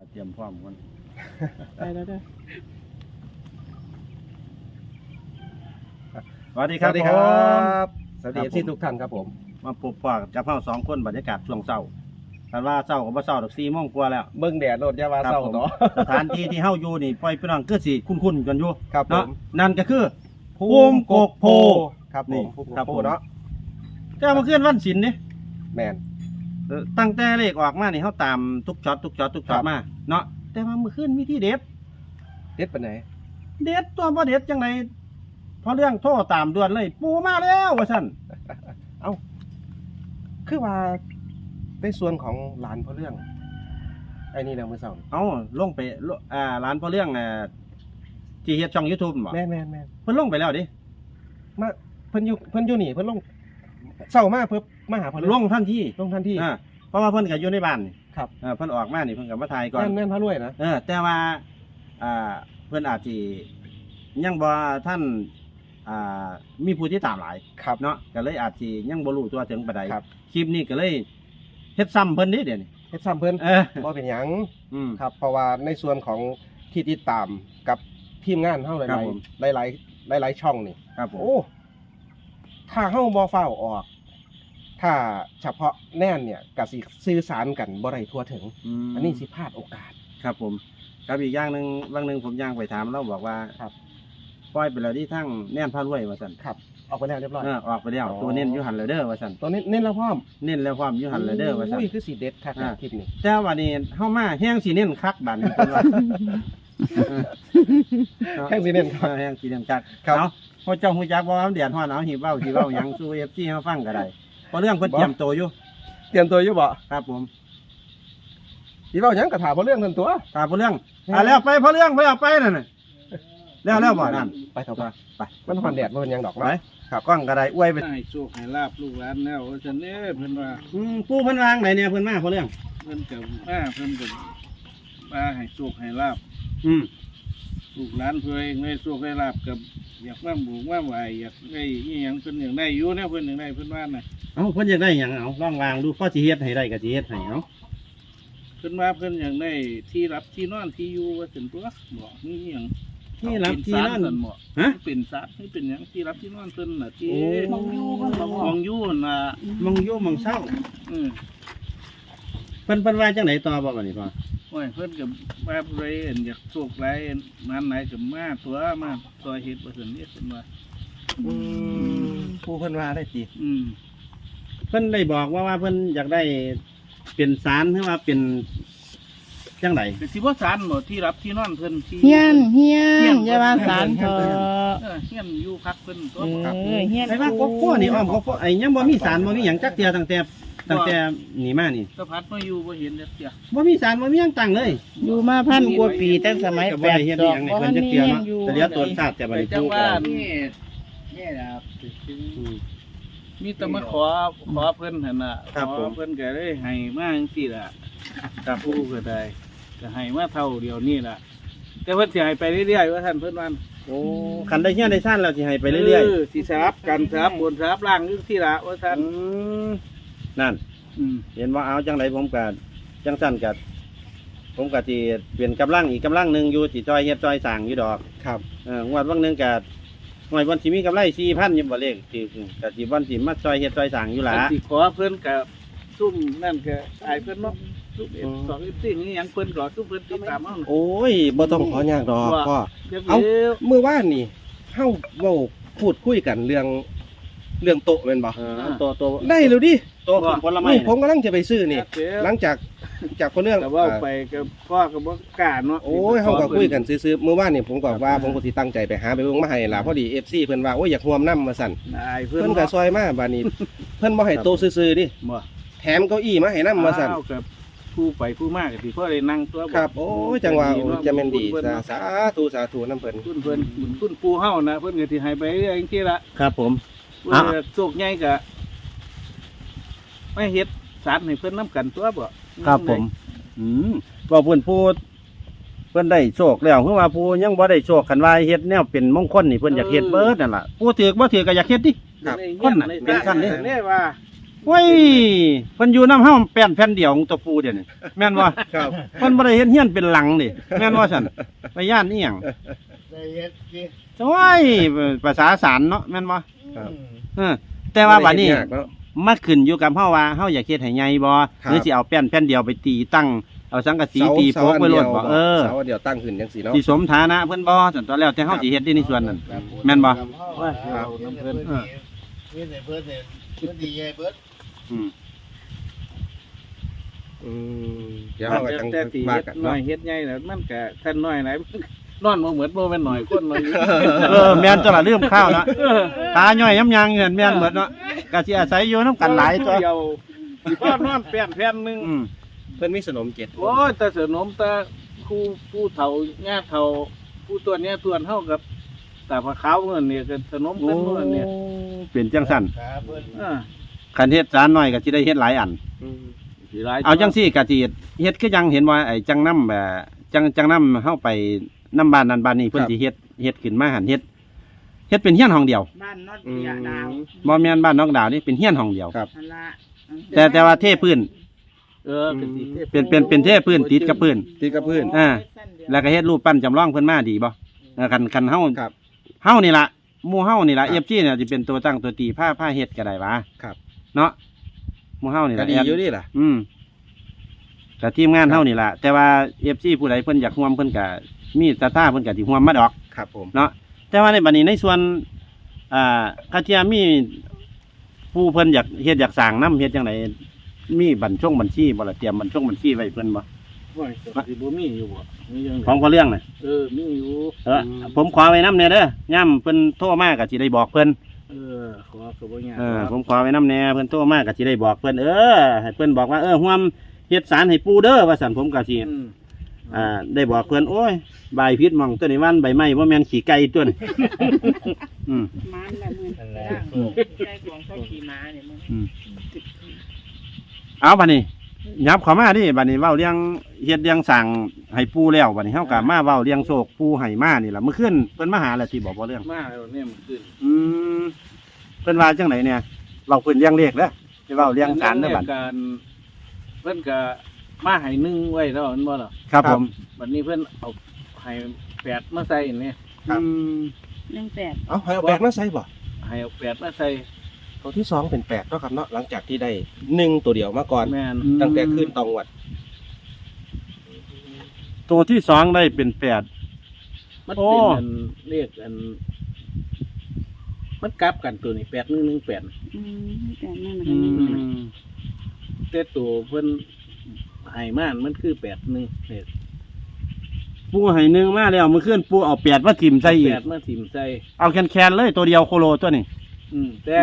เตรียมพร้อมกันไปแล้วเด้อสวัสดีครับสวัสดีครับ สวัสดีครับผมที่ทุกท่านครับผมมาพบปะกับเฮาสองคนบรรยากาศช่วงเช้าแต่ว่าเช้าก็บ่เช้าดอก4 โมงกว่าแล้วเบิ่งแดดโลดอยาวาครับเศร้าผมเนาะสถานที่ที่เฮาอยู่นี่ปล่อยพี่น้องคือสิคุ้นๆกันอยู่ครับผเนาะมนั่นก็คือ ภูมิกกโพครับผนี่มภูมิกครับกโพผมเนาะแต่เมื่อคืนวันศิลป์นี่แมนตั้งแต่เลขออกมานี่เฮาตามทุกช็อตครับมาเนาะแต่ว่าเมื่อคืนมีที่เด็ดเด็ดปานไหนเด็ดตัวบ่เด็ดจังไดพอเรื่องโทรตามด่วนเลย ปูมาแล้วว่าซั่นคือว่าในส่วนของหลานพ่อเรื่องไอ้นี่นะมื้อเช้านี่เอาลงไปร้านพอเรื่องที่เฮ็ดช่อง YouTube บ่แม่นเพิ่นลงไปแล้วดิมาเพิ่นอยู่นี่เพิ่นลงเช้ามาเพิ่นมาหาพ่อเรื่ลงทันทีลงทันทีเพราะว่าเพิ่นก็อยู่ในบ้านนี่ครับเพิ่นออกมานี่เพิ่นก็มาถ่ายก่อนแม่นพระรวยนะแต่ว่าเพิ่นอาจสิยังบ่ท่านมีผู้ที่ตามหลายครับเนาะก็เลยอาจสิยังบ่รู้ตัวถึงปานใดครับคลิปนี้ก็เลยเฮ็ดซ้ำเพิ่นนี่เดี๋ยวนี้เฮ็ดซ้ำเพิ่นเออบ่เป็นหยังอืมครับ เพราะว่าในส่วนของที่ติดตามกับทีมงานเฮาหครับลายผมๆหลายๆช่องนี่ครับผมโอ้ ถ้าเฮ้าบ่ฟ้าวออก ถ้าเฉพาะแน่นเนี่ยกสิสื่อสารกันบ่ได้ทั่วถึงมอันนี้สิพลาดโอกาสครับผมครับอีกอย่างหนึงบางหนึงผมย่างไปถามเราบอกว่าครับปล่อยไปแล้วที่ทั้งแน่นพารวยว่าซั่นครับ ออกไปแล้วเรียบร้อยออกไปแล้วอ๋อตัวเน้นอยู่หันเลยเด้อว่าซั่นตอนนี้เน้นแล้วพร้อมเน้นแล้วความอยู่หันเลยเด้อว่าซั่นอุ้ยคือสีเด็ดคักนะอ่าคลิปนี้แต่ว่านี่เฮามาแห้งสิเน้นคักบัดนี้เพิ่นว่าแข่งสีเน้นครับแห้งสิเน้นคักครับเอาพอเจ้าฮู้จักบ่ว่ามันแดดฮ้อนเอาหิเว้าสิเว้าหยังสู่ FC เฮาฟังก็ได้เพราะเรื่องเพิ่นเตรียมตัวอยู่เตรียมตัวอยู่บ่ครับผมสิเว้าหยังก็ถามเพราะเรื่องนั้นตัวตามเพราะเรื่องแล้วไปเพราะเรื่องไปเอาไปนั่นน่ะแล้วบ่นั่นไปเถอะไปไปมันฮอนแดดบ่เป็นหยังดอกไปเนาะครับกล้องก็ได้อวยไปให้โชคให้ลาบลูกหลานแล้วว่าฉันเนี่ยเพิ่นว่าปู่เพิ่นวางไหนเนี่ยเพิ่นมาเพราะเรื่องเพิ่นกับมาเพิ่นกับมาให้โชคให้ลาบอืมลูกหลานเพิ่นเองได้โชคให้ลาบกับอยากมาบุกมาไหวอยากได้อีหยังเพิ่นอยากได้อยู่เนี่ยเพิ่นอยากได้เพิ่นว่าน่ะเอ้าเพิ่นอยากได้หยังเอาลองวางดูพอสิเฮ็ดให้ได้ก็สิเฮ็ดให้เนาะเพิ่นว่าเพิ่นอยากได้ที่รับที่นอนที่อยู่ว่าซั่นตัวบอกนี่อีหยังที่รับที่นั่นเป็ศาลซั่บ่ฮะเป็นศาลนี่เป็นหยังที่รับที่นอนเพิ่นน่ะที่โอ้มองอยู่น่ะมองอยู่มองเศร้าอือเพิ่นว่าจังไหนต่อบ่บัดนี้พ่อโอ้ยเพิ่นกับว่าผู้ใดเห็นอยากโชคไรนั้นไหนกับมาตัวมาซอยเฮ็ดบ่ซั่นนี่เพิ่นว่าผู้เพิ่นว่าได้ติอืมเพิ่นได้บอกว่าเพิ่นอยากได้เป็นศาลหรือว่าเป็นจังไดเป็นสิบ่ศาลบ่ที่รับที่นอนเพิ่นที่เฮียนอย่าว่าสารเถอะเฮียนอยู่พักเพิ่นตัวเฮียนไอ้ว่าก็กลัวนี่อ้อมก็ไอ้ยังบ่มีศาลบ่มีหยังจักเที่ยตั้งแต่นี่มานี่สะพัดมาอยู่บ่เห็นจักเที่ยบ่มีศาลบ่มีหยังตั้งเลยอยู่มาพันกว่าปีตั้งสมัยก็แปบ่ดได้เฮ็ดดอีอกหยังในบ่เพิ่ทันนจักมีเที่ยหยัเนาะงอยู่แต่เดี๋ยวตนชาติจะบ่ได้จัปลูงกว่ากันมีแต่มาขอเพิ่นหั่นน่ะขอเพิ่นก็ได้ให้มาจังซี่ล่ะกับผู้ก็ได้ก็ให้มาเท่าเดียวนี่ล่ะแต่เพิ่นสิให้ไปเรื่อยๆว่าท่านเพิ่นว่าโอ้คันได้เฮียนได้ซ่านแล้วสิให้ไปเรื่อยสิสลับกันสลับบนสลับล่างอยู่ที่ละว่าท่านนั่นอืมเห็นว่าเอาจังไรผมก็จังสั้นกับผมก็ที่เปลี่ยนกำลังอีกกำลังหนึ่งอยู่ที่จอยเฮ็ดจอยสั่งอยู่ดอกครับงวดวันหนึ่งกับหน่วยวันที่มีกำไร4,000ยิบบ่เลขที่กับที่วันที่มาจอยเฮ็ดจอยสั่งอยู่หล่ะอันที่ขอเพิ่นกับซุ่มนั่นก็ตายเพิ่นเนาะซุ่มเอ็ดสองเอ็ดสี่นี่ยังเพิ่นก็ซุ่มเพิ่นติดตามเฮาโอ้ยบ่ต้องขอยากดอกพ่อเดี๋ยวเอ้าเดี๋ยวเมื่อวานนี่เฮาเว้าพูดคุยกันเรื่องโต๊ะแม่นบ่ตัวได้แล้วดิตัวผลไม้นี่ผมกำลังจะไปซื้อนี่เดี๋ยวหลังจากคนเรื่องแต่ว่าไปกับพ่อกับบ่กล้าเนาะโอ้ยเฮาก็คุยกันซื่อๆเมื่อวานนี่ผมก็ว่าผมก็สิตั้งใจไปหาไปเบิ่งมาให้ล่ะพอดี FC เพิ่นว่าโอ้ยอยากร่วมนำว่าซั่นตายเพิ่นเพิ่นก็ซอยมาบัดนี้ เพิ่นบ่ให้โตะซื่อๆดิบ่แถมเก้าอี้มาให้นำว่าซั่นอ้กับผู้ไปผู้มากก็สิพ่อได้นั่งตัวครับโอ้ยจังว่าโอ้ยจะแม่นดีเพิ่นสาธุนำเพิ่นคุณเพิ่นคุณปู่เฮานะเพิ่นก็สิให้ไปเรื่อยๆจังซี่ล่ะครับผมเพิ่นก็โชคใหญ่ก็ไม่เฮ็ดสารให้เพิ่นนํกันตัวบ่ครับผมว่าเพิ่นพูดเพิ่นได้โชคแล้วคือว่าผู้ยังบ่ได้โชคคันว่าเฮ็ดแนวเป็นมงคลนี่เพิ่นอยากเฮ็ดเบิดนั่นล่ะผู้ถือบ่ถือก็อยากเฮ็ดดิครับคนน่ะเป็นขั้นนี่นี่ว่าโอ้ยเพิ่นอยู่น้ำเฮาแป้นแผ่นเดียวของตัวปูเดี๋ยวนี้แม่นบ่ครับเพิ่นบ่ได้เฮ็ดเฮียนเป็นหลังนี่แม่นบ่ซั่นไปย่านอีหยังได้เฮ็ดสิโอ้ยภาษาสารเนาะแม่นบ่ครับแต่ว่าบัดนี้บ่ได้เฮ็ดยากเนาะมันขึ้นอยู่กับเฮาว่าเฮาอยากเฮ็ดให้ใหญ่บ่ครับหรือสิเอาแป้นแผ่นเดียวไปตีตั้งเอาสังกะสีตีโป๊กไว้โลดบ่เออเสาเดียวตั้งขึ้นจังซี่เนาะสิสมฐานะเพิ่นบ่ซั่นตัวแล้วแต่เฮาสิเฮ็ดได้ในส่วนนั้นแม่นบ่ว่าสิเอาน้ำเพิ่นเพิ่นเนี่ยเพิ่นเนี่ยเพิ่นดีใหญ่เบิดอืมอืมเดี๋ยวเราก็จังแต่ที่ว่าเฮ็ดกันน้อเนาะยเฮ็ดใหญ่น่ะมันก็ท่านน้อยไหนนอนบ่เหมือนบ่แม่นน้อยคนน้อยแม่นตัวละลืมข้าวเนาะตาย่อยย้ำยังเงินแม่นหมดเนาะก็สิอาศัยอยู่นำกันหลายตัวเดียวพ่อนอนแผ่นแผ่นหนึงอืมเพิ่นมีสนมเจ็ดโอ้ยแต่สนมแต่ผู้เฒ่าญาติเฒ่าผู้ตัวเนี้ยตัวเฮากับตาพระขาวเงินเนี่ยก็สนมโอ้เพิ่นเงินเนี่ยเป็นจังซั่นขาเพิ่นคันเฮ็ดจานน้อยก็สิได้เฮ็ดหลายอันสิหลายเอาจังซี่ก็สิเฮ็ดคือยังเห็นว่าไอ้จังนำจังนำเฮาไปนำบ้านนั้นบ้านนี้เพิ่นสิเฮ็ดขึ้นมาหั่นเฮ็ดเป็นเฮียนห้องเดียวบ้านนอดเดียดาวบ่แม่นบ้านนอกดาวนี่เป็นเฮียนห้องเดียวครับนั่นละแต่ว่าเทพื้นก็สิเป็นเทพื้นติดกับพื้นติดกับพื้นอ่า แล้วก็เฮ็ดรูปปั้นจำลองเพิ่นมาดีบ่คันเฮาครับเฮานี่ล่ะหมู่เฮานี่ล่ะ FG เนี่ยสิเป็นตัวตั้งตัวตีผ้าเฮ็ดก็ได้หว่าครับเนาะหมู่เฮานี่ก็ล่ะดีอยู่นี่ล่ะก็ทีมงานเฮานี่ล่ะแต่ว่า FC ผู้ใดเพิ่นอยากร่วมเพิ่นก็มีศรัทธาเพิ่นก็สิร่วมมาดอกครับผมเนาะแต่ว่าในบัดนี้ในส่วนคาเทียมีผู้เพิ่นอยากเฮ็ดอยากสร้างน้ำเฮ็ดจังไดมีบัญชีบ่ล่ะเตรียมบัญชีไว้เพิ่นบ่ว่าสิบ่มีอยู่บ่มีจังของพอเรื่องน่ะมีอยู่ผมขอไว้นำแน่เด้อย่ำเพิ่นโทรมาก็สิได้บอกเพิ่นขอก็บ่ยากผมขอไว้นำแน่เพิ่นโทรมาก็สิได้บอกเพิ่นให้เพิ่นบอกว่าร่วมเฮ็ดสารให้ปูเด้อว่าซั่นผมก็สิได้บอกเพิ่นโอ้ยใบพิษหมองตัวนี้วันใบไม้บ่แม่นขี้ไก่ตัวนี้มันละมือนั่นแหละใจของเขาขี่ม้าเนี่ยมึงเอาบัดนี้ยับเข้ามาดิบัดนี้เว้าเรื่องเฮ็ดเรื่องสั่งให้ปูแล้วบัดนี้เฮาก็มาเว้าเรื่องโชคปูให้มานี่ล่ะเมื่อคืนเพิ่นมาหาแล้วสิบอกบ่เรื่องมาแล้วเนี่ยมันขึ้นเพิ่นว่าจังไดเนี่ยเว้าเพิ่นเลี้ยงเลขเด้อสิเว้าเลี้ยงสารเด้อบัดการเพิ่นก็มาให้1ไว้แล้วมันบ่ล่ะครับผมบัดนี้เพิ่นเอาให้8มาใส่นี่ครับ 18 เอาให้เอาแปดมาใส่บ่ให้เอา8มาใส่ตัวที่สองเป็นแปดเนาะครับเนาะหลังจากที่ได้หนึ่งตัวเดียวมาก่อนแม่นตั้งแต่ขึ้นตองวัดตัวที่สองได้เป็น8 มันโอ้เป็นอันเรียกอันมันกลับกันตัวนี้8118 แต่นั่นมันก็นี่แต่ตัวเพิ่นให้มามันคือ81เนี่ยปูให้หนึ่งมาแล้วเมื่อคืนปูเอา8มาจิ้มใส่อีก 8มาถิ่มใส่เอาแคนๆเลยตัวเดียวโคโลตัวนี้แต่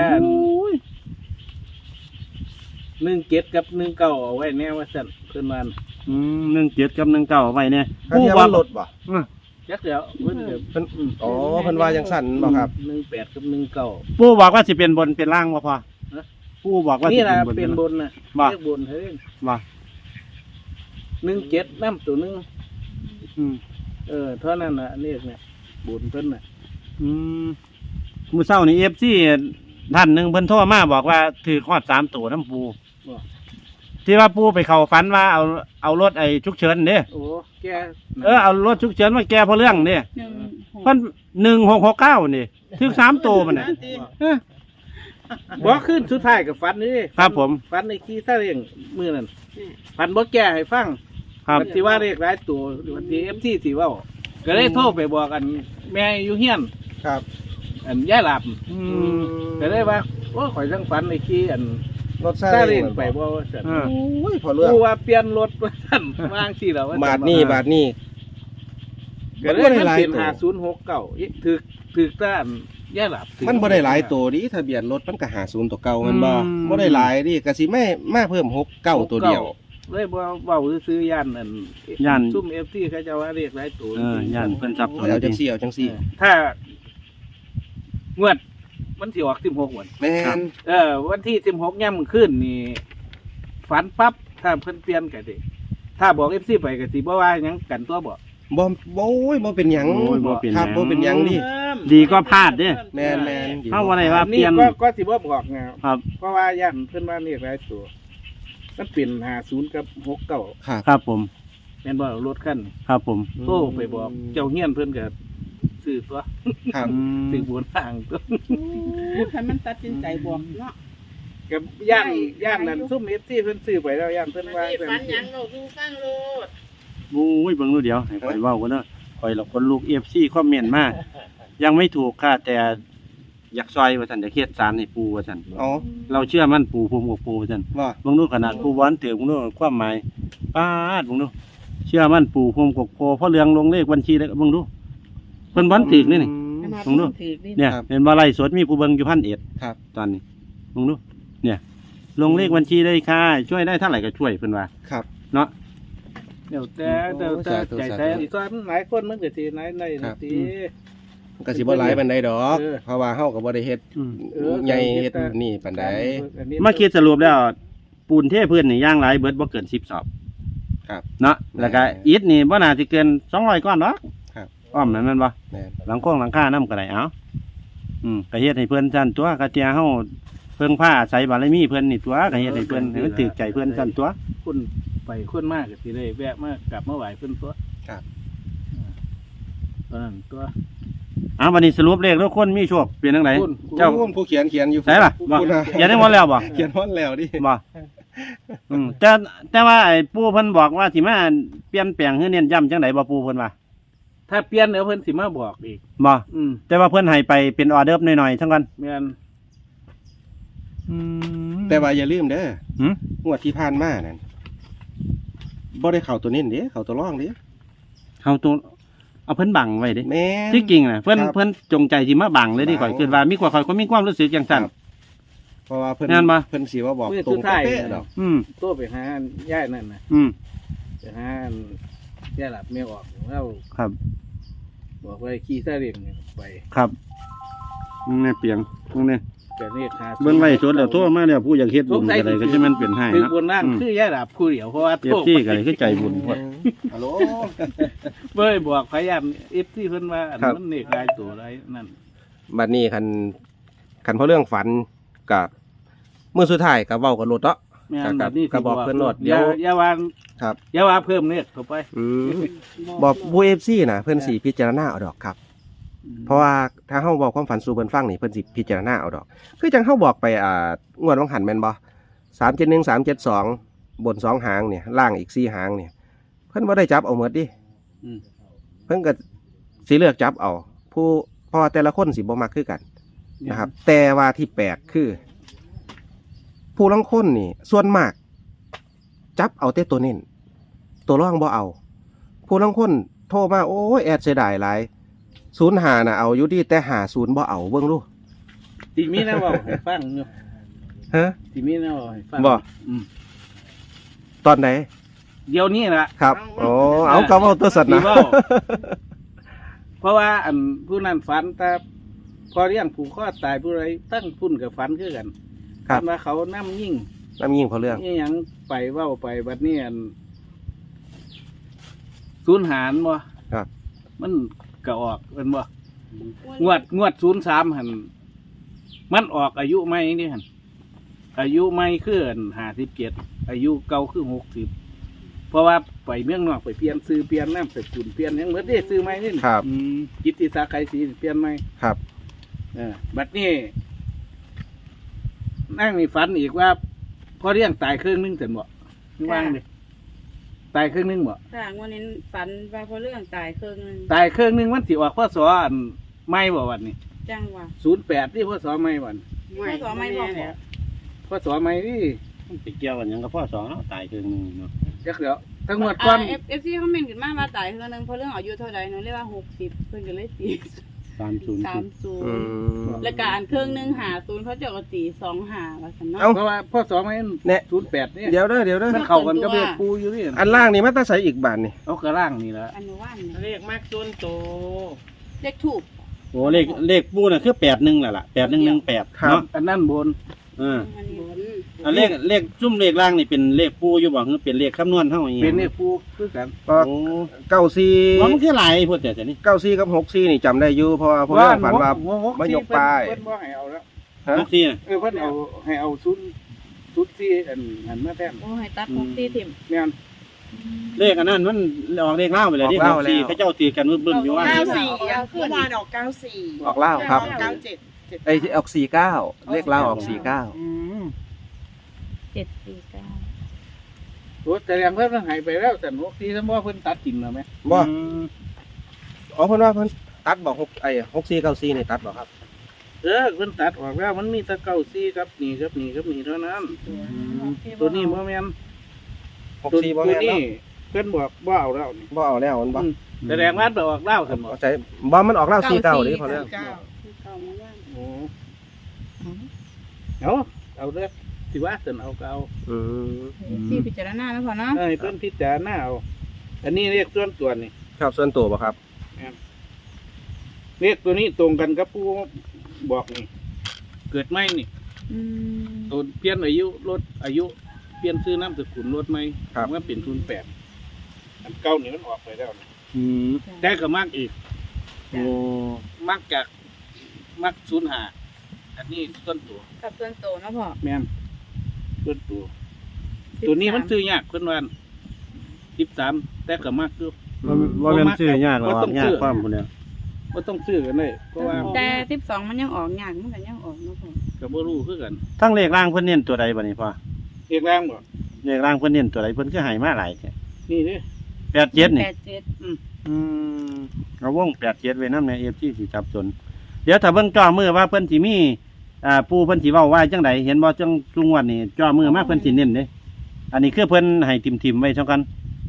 17กับ19เอาไว้แน่ว่าซั่นเพิ่นว่า 17กับ19เอาไว้เนี่ยถ้าเทียบว่าลดบ่จักเดี๋ยวเพิ่นก็เพิ่นอ๋อเพิ่นว่าจังสั่นบ่ครับ 18กับ19 ปูบอกว่าสิเป็นบนเป็นล่างบ่พอปูบอกว่าสินี่ล่ะเป็นบนเป็นบนน่ะบ่เรียกบนเฮ้ยบ่ 17นำตัวนึงอืมเท่านั้นน่ะเรียกเนี่ยบนเพิ่นน่ะมื้อเช้านี่ FC ท่านหนึงเพิ่นโทรมาบอกว่าถือฮอด3ตัวน้ำปูที่ว่าปูไปเข้าฝันว่าเอารถไอ้ฉุกเฉินเด้โอ้แกเอารถฉุกเฉินมาแก้เพราะเรื่องนี่เพิ่น1669นี่ถือ3ตัวมันน่ะบ่ขึ้นสุดท้ายกับฟันนี่ครับผมฟันในขี้ซาเร่งมื้อนั้นฟันบ่แก้ให้ฟังครับวันที่ว่าเรียกหลายตัววันที่ FT สิเว้าก็เลยโทรไปบอกอันแม่อยู่เฮียนครับอันย่าหลับอืมก็เลยว่าโอ้ข่อยจังฝันในขี้อันรถซาซาเล้เร่งงไปบ่ว่าซั่นอ่าโอ้ยพอเรื่องกูว่าเปลี่ยนรถว่าซั่นวางที่แล้วว่าบาทนี้บาทนี้ก็เลยมันเป็น5069ถึกต้านย่าหลับมันบ่ได้หลายตัวดิทะเบียนรถมันก็50ตัวเก่ามันบ่บ่ได้หลายดิก็สิไม่มาเพิ่ม69ตัวเดียวเลยบ่เว้าซื้อย่านอันย่านซุ่ม FT เขาจะว่าเรียกหลายตัวย่านเพิ่นสับสนเอาจังซี่เอาจังซี่ถ้างวดวันที่ออก16วันแม่นวันที่16ย่ำขึ้นนี่ฝันปั๊บถ้าเพิ่นเปลี่ยนก็สิถ้าบอก FC ไปก็สิบ่ว่าหยังกันตัวบ่บ่โอ้ยบ่เป็นหยังโอ้ยบ่เป็นหยังครับบ่เป็นหยังดิดีก็พลาดเด้แมนแมนเฮาบ่ได้ว่าเปนี่ลี่ยนก็สิบ่บอกไงครับเพราะว่าย่านเพิ่นว่าเรียกหลายตัวมันเป็น50กับ69 ครับครับผมแม่นบ่รถคันครับผมโทรไปบอกเจ้าเฮียนเพิ่นก็ซื้อตัวครับซื้อบนทางตัวให้มันตัดสินใจบอกเนาะกับย่านนั้นซุ่ม FC เพิ่นซื้อไปแล้วย่านเพิ่นว่าฝันหยังเราดูฟังโลดโอ้ยเบิ่งดูเดี๋ยวให้ข่อยเว้ากันเด้อข่อยละคนลูก FC คอมเมนต์มายังไม่ถูกค่ะแต่อยากซอยว่าซั่นอยากเฮ็ดศาลให้ปู่ว่าซั่นอ๋อเราเชื่อมั่นปู่ภูมิกับปู่ว่าซั่นว่าเบิ่งดูขนาดปู่วอนถือเบิ่งดูความหมายปาดเบิ่งดูเชื่อมั่นปู่ภูมิกับปู่เพราะเรื่องลงเลขบัญชีแล้วเบิ่งดูเพิ่นบ่ถูกนี่นี่ ลงดู เนี่ยเห็นบ่ไล่สดมีผู้เบิ่งอยู่1,000 ครับตอนนี้เบิ่งดูเนี่ย ลงเลขบัญชีได้ค่ะช่วยได้เท่าไหร่ก็ช่วยเพิ่นว่าครับเนาะเดี๋ยวแต่สาธุใจสาธุแท้อีกส่วนหลายคนมันก็สิไหนในครับสิก็สิบ่หลายปานใดดอกเออเพราะว่าเฮาก็บ่ได้เฮ็ดอืมใหญ่เฮ็ดนี่ปานใดมาคิดสรุปแล้วปูนเทพื้นนี่ย่างหลายเบิดบ่เกิน10 สอบครับเนาะแล้วก็อิฐนี่บ่น่าสิเกิน200ก้อนเนาะครับอ้อมนั่นแม่นบ่แม่นหลังโค้งหลังคานำก็ได้เอ้าก็เฮ็ดให้เพิ่นซั่นตัวก็เตียเฮาเพิ่งผ้าอาศัยบารมีเพิ่นนี่ตัวก็เฮ็ดให้เพิ่นให้มันถูกใจเพิ่นซั่นตัวคนไปคนมากก็สิได้แวะมากลับมาไหว้เพิ่นตัวครับตอนนั้นตัววันนี้สรุปเลขทุกคนมีโชคเป็นจังไดคุณเจ้าผู้เขียนอยู่ใช่ล่ะบ่คุณน่ะเขียนได้หมดแล้วบ่เขียนฮอดแล้วดิบ่แต่ว่าไอ้ปู่เพิ่นบอกว่าสิมาเปลี่ยนแปลงให้เน้นย้ำจังไดบ่ปู่เพิ่นว่าถ้าเปลี่ยนเดี๋ยวเพิ่นสิมาบอกอีกบ่อืมแต่ว่าเพิ่นให้ไปเป็นออเดิร์ฟหน่อยๆทั้งกันแม่นแต่ว่าอย่าลืมเด้อหืมงวดที่ผ่านมานั่นบ่ได้เข้าตัวเน้นเด้เข้าตัวร่องเด้เอาตัวเอาเพิ่นบังไว้เด้แม่นที่จริงน่ะเพิ่นครับเพิ่นจงใจสิมาบังเลยดิบังข่อยคิดว่ามีกว่าข่อยก็มีความรู้สึกจังซั่นครับ เพราะว่าเพิ่นงานบ่เพิ่นสิว่าบอกตรงเป๊ะๆดอกอืมโทรไปหาย่ายนั่นน่ะอืมไปหาย่าหลับไม่ออกแล้วครับบอกว่าขี่ซาเล้งเนี่ยไปครับแม่เปียงตรงนี้แต่เรียกหาเบิ่งไว้สดแล้วโทรมาแล้วผู้อยากเฮ็ดบุญก็ได้ก็สิมันเป็นให้คือเนาะบนนั่นคือย่าหลับคู่เดียวเพราะว่าเอฟซีก็ได้คือใจบุญพอดฮัลโหลเบ้ยบอกพยายามเอฟที่เพิ่นว่าอันครับมันเนกลายตัวอะไรนั่นบัดนี้คันเพราะเรื่องฝันกับมื้อสุดท้ายก็เว้ากันโลดเนาะแม่ครับนแบบนี้ก็บอกเพิ่นโลดเดี๋อย่ายวอย่าวางครับอย่าวางเพิ่มเนี่ยเข้าไปบอกผู้ FC น่ะเพิ่นสิพิจารณาเอาดอกครับ เพราะว่าถ้าเฮาบอกความฝันสู่เพิ่นฟังนี่เพิ่นสิพิจารณาเอาดอก คือจังเฮาบอกไปงวดวังหันแม่นบ่371 372บน2หางเนี่ยล่างอีก4หางเนี่ย เพิ่นบ่ได้จับเอาหมดดิอืมเพิ่นก็สิเลือกจับเอา ผู้เพราะว่าแต่ละคนสิบ่มักคือกันนะครับ แต่ว่าที่แปลกคือ ผู้ลางคนนี่ ส่วนมาก จับเอาแต่ตัวเน้นตัวร่องบ่เอา ผู้ลางคนโทรมาโอ้ยแอดเสียดายหลาย05น่ะเอาอยู่ดีแต่50บ่เอาเบิ่งดูทีมีนะบอกให้ฟังอยู่ฮะทีมีนะบอกให้ฟังบ่อืมตอนไหนเดี๋ยวนี้ล่ะครับโอ้เอาก็เว้าตัวสัตว์ที่นะเว้า เพราะว่าอันผู้นั้นฝันแต่พอเลี้ยงผูกคอตายผู้ไรตั้งพุ่นกับฝันคือกันครับฝันว่าเขาน้ำยิ่งน้ำยิงเพราะเรื่องนี่ยังไปเว้าไปบัดนี้อันศูนย์หารบ่ครับมันก็ออกเป็นบ่งวด03หันมันออกอายุใหม่นี่หันอายุใหม่คือ57อายุเก่าคือ60เพราะว่าไปเมืองนอกไปเปลี่ยนซื้อเปลี่ยนน้ำสกุลเปลี่ยนหยังเหมือนได้ซื้อใหม่นี่ครับกิตติศักดิ์ไกรศรีเปลี่ยนใหม่ครับบัดนี้นั่งนี่ฝันอีกว่าพอเลี้ยงตายครึ่งนึงเสร็จบ่นี่ว่างเลยตายครึ่งนึงบ่ถ้าวันนี้ฝันว่าพอเรื่องตายเครื่องนึงตายครึ่งนึงมันสิออกพศอันไม่บ่วันนี้จังว่า 08ที่พศไม่วันไม่ก็ไม่บอกพศไม่นี่มันไปเกี่ยวกันหยังกับพ่อสองเนาะตายคือนึงเนาะจักเดี๋ยวทั้งหมดก่อนเอฟซีเขาเมนขึ้นมาว่าตายเครื่องนึงเพราะเรื่องอายุเท่าใดหนูเรียกว่า60เพิ่นก็เลยตี 30 30แล้วก็อันเครื่องนึง50เขาเจ้าก็ตี25ว่าซั่นเนาะเอ้าเพราะว่าพศไม่เนี่ย 08นี่เดี๋ยวเด้อมันเข้ากันกับเลขปูอยู่นี่อันล่างนี่มันต้องใส่อีกบานนี่เอากระล่างนี่ละอนุวันเนี่ยเรียกมากส่วนโตเลขถูกโอ้เลขปูน่ะคือ81แหละล่ะ8118เนาะอันนั้นบนอันนี้อันเลขซุ่มเลขล่างนี่เป็นเลขปูอยู่บ่คือเป็นเลขคำนวณเท่าอย่างเงี้ยเป็นเนี่ยปูคือกันก็โอ้ 94 มันคือหลายพูดแต่นี่ 94กับ64นี่จำได้อยู่เพราะว่าผมฝันว่า มายกป้ายเพิ่นบ่ให้เอาแล้วฮะทุกที่น่ะเพิ่นเอาให้เอาซุนที่อันมาแทนโอ้ให้ตัด6 4ถิ่มแม่นเลขอันนั้นมันออกเลขเล่าไปเลยที่ออกเหล้าสี่แล้วเขาเจ้าตีกันบึ้มๆอยู่ว่า 94เมื่อวานออก94 ออกเหล้าครับ 97 ไอ้ที่ออก49เลขลาวออก49 749 โอ้แต่ยังเพิ่นให้ไปแล้วแต่6ที่ซะบ่เพิ่นตัดกินแล้วแม่บ่อืมอ๋อเพิ่นว่าเพิ่นตัดบอก6ไอ้6494นี่ตัดบ่ครับเพิ่นตัดออกแล้วมันมีแต่94ครับนี่ครับนี่ครับนี่เท่านั้นตัวนี้บ่แม่น 64บ่แม่นนี่เนาะเพิ่นบอกบ่เอาแล้วนี่บ่เอาแล้วมันบ่แสดงว่าไปออกเล่าซั่นบ่เอาใจบ่มันออกแล้ว49นี่พอแล้วโอ้เอาเด้อสิว่าซั่นเอาก็เอาอืมที่พิจารณาแล้วพอเนาะให้เพิ่นพิจารณาเอาอันนี้เรียกส่วนตัวนี่ครับส่วนตัวบ่ครับเรียกตัวนี้ตรงกันกับผู้บอกนี่ เกิดไหมนี่อืมตัวเปลี่ยนอายุลดอายุเปลี่ยนชื่อนามสกุลลดไหมครับมันเป็น08อันเก่านี่มันออกไปแล้วนะอืมแต่ก็มากอีกโอ้มากจากมาก05อันนี้ต้นตัวกับส่วนโตเนาะพ่อแม่นต้นตัว ตัวนี้มันซื้อยากเพิ่นว่า13แต่ก็มากอยู่ว่าเป็นซื้อยากหรอกบ่ต้องซื้ยากอความคนเดียวบ่ต้องซื้อกันเลยเพราะว่าแต่12มันยังออกยากมันก็ยังออกเนาะพ่อก็บ่รู้คือกันทั้งเลขล่างเพิ่นเน้นตัวใดบัดนี้พ่อเรียกแรงบ่เลขล่างเพิ่นเน้นตัวใดเพิ่นคือให้มาหลายแท้นี่เด้ 87นี่ 87 อืมเอาวง87ไว้นำใน FT สิจับสนเดี๋ยวถ้าเบิ่งจ่อมือว่าเพิ่นสิมีปูเพิ่นสิเว้าว่าจังไดเห็นบ่จังซุงวันนี่จ่อมือมาเพิ่นสิเน้นเด้อันนี้คือเพิ่นให้ทิมๆไว้เท่ากัน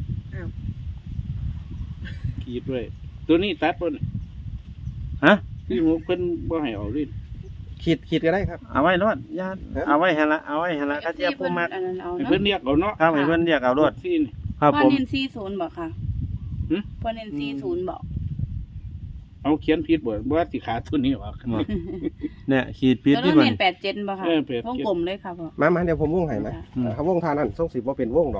ขีดด้วยตัวนี้ตัดบ่นี่ฮะที่หมูเพิ่นบ่ให้เอาลิ้นขีดก็ได้ครับเอาไว้รอดญาติเอาไว้หั่นละเอาไว้หั่นละถ้าเจ้าผู้มักอันนั้นเอาให้เนาะเพิ่นเรียกเอาเนาะครับให้เพิ่นเรียกเอารถที่นี่ครับพ่อผมเน้น40บ่ค่ะหึพ่อเน้น40บ่เอาเขียนผิดบ่ว่าสิขาตัวนี้ออกเนี่ยขีดปิดแล้วที่เรามันเน้น87บ่ค่ะ 87 วงกลมเลยค่ะพ่อมาเดี๋ยวผมวงให้ไหมอืมถ้าวงทานั้นส่งสิบ่เป็นวงดอก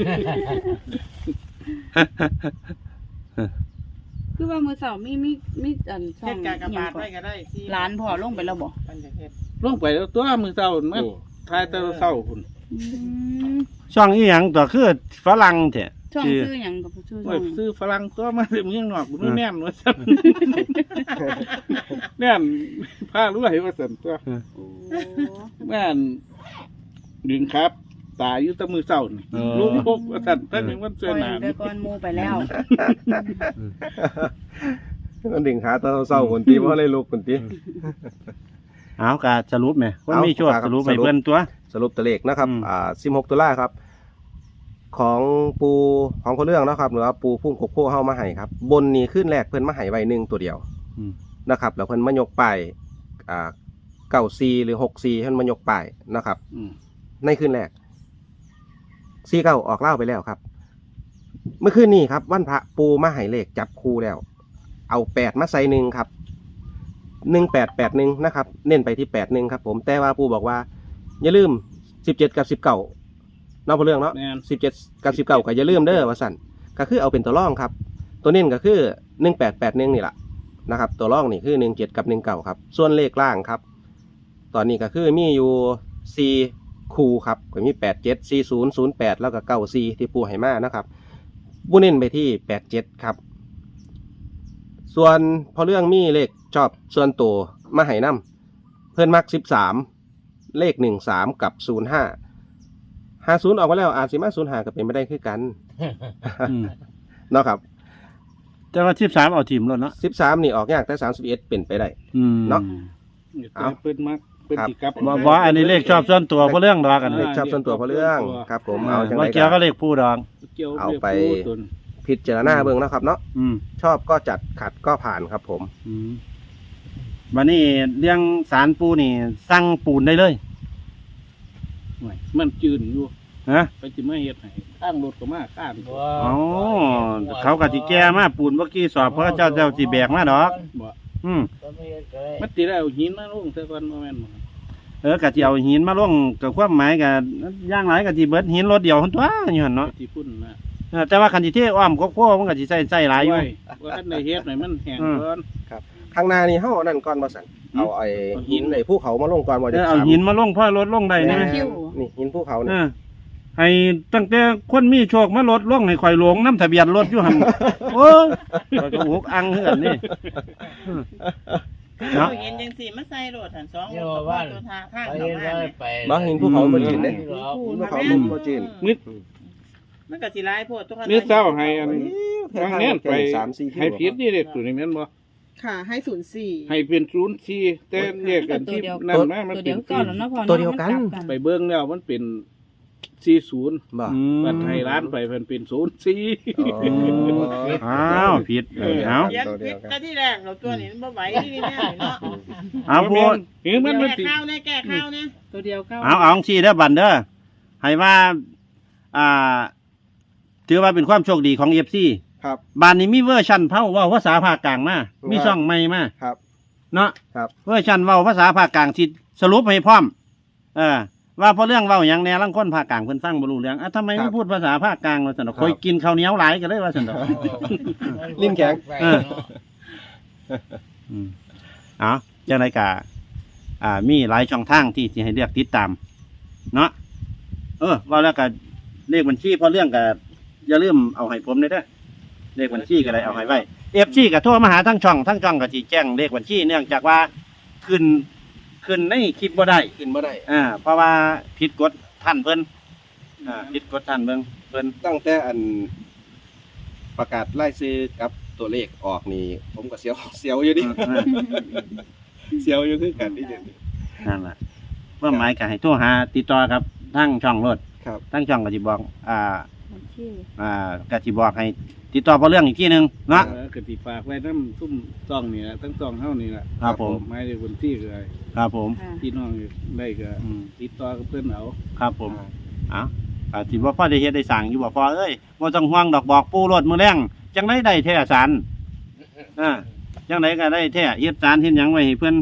คือว่ามื้อเช้ามีอันช่องกากบาทไว้ก็ได้ร้านพ่อลงไปแล้วบ่ปันจะเฮ็ดลงไปแล้วตัวมือเช้ามานี่ทายแต่เช้าพุ่นอืมช่องอีหยังตัวคือฝรั่งแท้ช่องชื่อซื้อหยังกับชื่อช่ไว้องซื้อฝรั่งตัวมาเมืองนอกบ่แน่นว่าซั่นแน่นผ้ารวยว่าซั่นตัวโอ้แม่นดึงครับ ตายอยู่แตะมือเช้านี่ลูกพกว่าซั่นตั้งแต่วันเสื้ปอล่อยหนาไปก่อนหมู่ไปแล้วมันดึงขาตอนเศร้าคนตีบ่เลยลุกคนตีเอากะสรุปแหมคนมีโชคเอาครับสรุปให้สรุปเพิ่นตัวสรุปตัวเลขนะครับ 16ตุลาครับ ของปูของคนเรื่องนะครับหรือว่าปูพุ่งโคโค่เฮามาให้ครับ บนนี้ขึ้นแรกเพิ่นมาให้ไว้1ตัวเดียวอืมนะครับ แล้วเพิ่นมายกป้าย94หรือ64เพิ่นมายกป้ายนะครับอืมในคืนแรก49ออกเล่าไปแล้วครับ เมื่อคืนนี้ครับวันพระปูมาให้เลขจับคู่แล้ว เอา8มาใส่1ครับ1881นะครับ เน้นไปที่81ครับ ผมแต่ว่าปูบอกว่า อย่าลืม17กับ19เนาะพอเรื่องเนาะแม่น 17กับ19ก็อย่าลืมเด้อว่าสั่นก็คือเอาเป็นตัวร่องครับ ตัวเน้นก็คือ1881นี่แหละนะครับ ตัวร่องนี่คือ17กับ19ครับ ส่วนเลขล่างครับ ตอนนี้ก็คือมีอยู่4คู่ครับก็มี87 40 08แล้วก็94ที่ปูให้มานะครับปูเน้นไปที่87ครับ ส่วนพอเรื่องมีเลขชอบส่วนตัวมาให้นำเพิ่นมัก13เลข13กับ05 50ออกมาแล้วอาจสิมา05ก็เป็นไม่ได้คือกันอืมเนาะครับแต่ว่า13เอาทีมรถเนาะ 13นี่ออกยากแต่31เป็นไปได้อืมเนาะนี่ตัวเพิ่นมักเพิ่นสิกลับบ่อันนี้เลขชอบส่วนตัวเพราะเรื่องดอกกันเลขชอบส่วนตัวพอเรื่องครับ ผมเอาจังบ่ไดเกี่ยวก็กับเลขผู้ดอกเกี่ยวเอาไปรียกผู้ตนพิจารณาเบิ่งเนาะครับเนาะอืมชอบก็จัดขัดก็ผ่านครับผมอืมบัดนี้เรื่องสารปูนี่สั่งปูนได้เลยโอ้ยมันจืนอยู่ฮะไปสิมาเฮ็ดให้ข้างรถก็มาข้างอ๋อเขาก็สิแก้มาปูนเมื่อกี้สอบเพราะเจ้าสิแบกมาดอกบ่อืมก็ไม่เฮ็ดก็ได้มันสิได้เอาหินมาลงซะก่อนบ่แม่นบ่บก็สิเอาหินมาลงกับความหมายก็อย่างหลายก็สิเบิดหินรถเดียวหั่นตัวอยู่หั่นเนาะที่พุ่นนะแต่ว่าคันสิเทอ้อมโคมันก็สิใส่หลายอยู่โว่าท่านในเฮ็ดหน่อยมันแห้งก่อนข้างหน้านี่เฮาเอานั่นก่อนบ่สั่นเอาไอ้หินไอ้ภูเขามาลงก่อนบ่จะเอาหินมาลงพ่อรถลงได้นี่คิวนี่หินภูเขานี่ให้ตั้งแต่คนมีโชคมาลดลงให้ข่อยหลงน้ำทะเบียนรถอยู่หั่นโอ้ยข่อยก็หกอังคือกันนี่เนาะเห็นจังสี่มาใส่รถหันสองเนี่ยว่าบ้านตัวทางข้างไปเขาเห็นมาว่าไปบ่หินภูเขาบ่จืดเด้หินภูหินภูเขาเขาบ่จืดมันก็สิร้ายโพดทุกคนนี่เศร้าให้อันทางแน่นไป 3-4 ให้ผิดนี่เด็กตัวนี้แม่นบ่ค่ะให้04 ให้เป็น04แต่เรียกกันที่นั่นมามันตัวเป็เดียนวก่อนแล้วเนาะพอตัวเดียวกันไปเบิ่งแล้วมันเป็น40 บ่บัดให้ร้านไปมันเป็น04 อ้าวผิดเอาเขียนผิดแต่ที่แรกเราตัวนี้มันบ่ไหวนี่แน่เนาะเอาพูดเห็นมันมันแก้สิข้าวเนี่ยแก้ข้าวเนี่ยตัวเดียวเก้าเอาสิเด้อบันเด้อให้ว่าถือว่าเป็นความโชคดีของ FC ครับบ้านนี้มีเวอร์ชันเว้าภาษาภาคกลางมามีช่องใหม่มาครับเนาะครับเวอร์ชันเว้าภาษาภาคกลางสิสรุปให้พร้อมว่าพอเรื่องเว้าหยังแหน่ลังคนภาคกลางเพิ่นฟังบ่รู้เรื่องทำไมไม่พูดภาษาภาคกลางว่าซั่นดอกคอยกินข้าวเหนียวหลายก็เลยว่าซั่นดอกลิ้นแข็งเอาจังไรกะมีหลายช่องทางที่ให้เลือกติดตาม เนาะว่าแล้วก็เลขบัญชีพอเรื่องก็อย่าลืมเอาให้ผมเด้อเลขบัญชีก็ได้เอาให้ไว้FCก็โทรมาหาทั้งช่องก็สิแจ้งเลขบัญชีเนื่องจากว่าขึ้นในคลิปบ่ได้ขึ้นบ่ได้เพราะว่าผิดกฎท่านเพิ่นผิดกฎท่านเพิ่นตั้งแต่อันประกาศรายชื่อกับตัวเลขออกนี่ผมก็เสียวอยู่ดิ เสียวอยู่คือกันนี่เดี๋ยวนี้นั่นแหละเพื่อหมายก็ให้โทรหาติดต่อครับทั้งช่องรถครับทั้งช่องก็สิบอกก็สิบอกให้ติดต่อพอเรื่องอีกทีหนึงเนาะก็สิฝากไว้นำซุ่มซ่องนี่ล่ะทั้งซ่องเฮานี่ล่ะครับผมหมายถึงคนที่ก็ได้ครับผมพี่น้องได้ก็อืมติดต่อกับเพิ่นเอาครับผมสิบ่พอได้เฮ็ดได้สั่งอยู่บ่พอเอ้ยบ่ต้องห่วงดอกบอกปู่รถมื้อแรงจังได๋ได้แท้สารจังได๋ก็ได้แท้เฮ็ดสารเฮ็ดหยังไว้ให้เพิ่น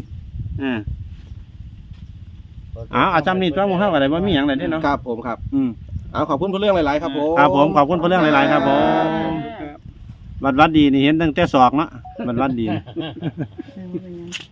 อาจำนี่ตัวหมู่เฮาก็ได้บ่มีหยังเลยเด้เนาะครับผมครับอืมเอาขอบคุณเพื่อเรื่องหลายๆครับผมครับผมขอบคุณพอเรื่องหลายๆครับผมวัดดีนี่เห็นตั้งแต่ศอกเนาะวัดดี